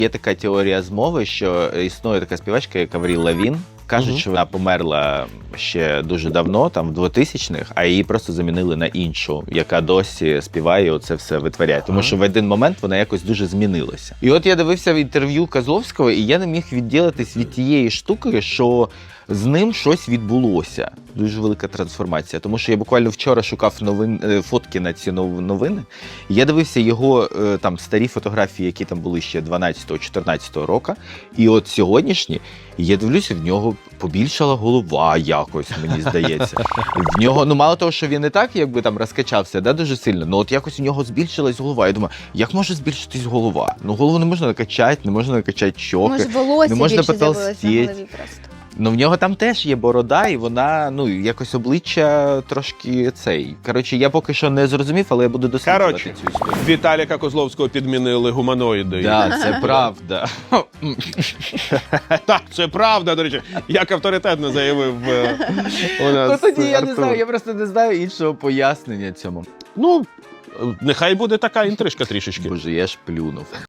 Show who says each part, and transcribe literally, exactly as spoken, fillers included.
Speaker 1: Є така теорія змови, що існує така співачка, як Авріл Лавін. Кажуть, uh-huh. що вона померла ще дуже давно, там в двотисячних, а її просто замінили на іншу, яка досі співає і оце все витворяє. Тому uh-huh. що в один момент вона якось дуже змінилася. І от я дивився в інтерв'ю Козловського, і я не міг відділитись від тієї штуки, що з ним щось відбулося. Дуже велика трансформація. Тому що я буквально вчора шукав новин, фотки на ці новини. І я дивився його там старі фотографії, які там були ще дванадцятого-чотирнадцятого року. І от сьогоднішні, і я дивлюся, в нього побільшала голова якось, мені здається. В нього, ну мало того, що він і так якби там розкачався, да, дуже сильно, ну от якось у нього збільшилась голова. Я думаю, як може збільшитись голова? Ну голову не можна накачати, не можна накачати щоки,
Speaker 2: може, волосся
Speaker 1: не можна
Speaker 2: більше з'явилося на
Speaker 1: потолстіти.
Speaker 2: голові просто.
Speaker 1: Ну, в нього там теж є борода, і вона, ну, якось обличчя трошки цей. Коротше, я поки що не зрозумів, але я буду досліджувати
Speaker 3: Коротше,
Speaker 1: цю історію.
Speaker 3: Віталіка Козловського підмінили гуманоїди.
Speaker 1: Так, це правда.
Speaker 3: Так, це правда, до речі. Як авторитетно заявив е, у нас
Speaker 1: Ну, тоді я
Speaker 3: Артур.
Speaker 1: не знаю, я просто не знаю іншого пояснення цьому.
Speaker 3: Ну, нехай буде така інтрижка трішечки.
Speaker 1: Боже, я ж плюнув.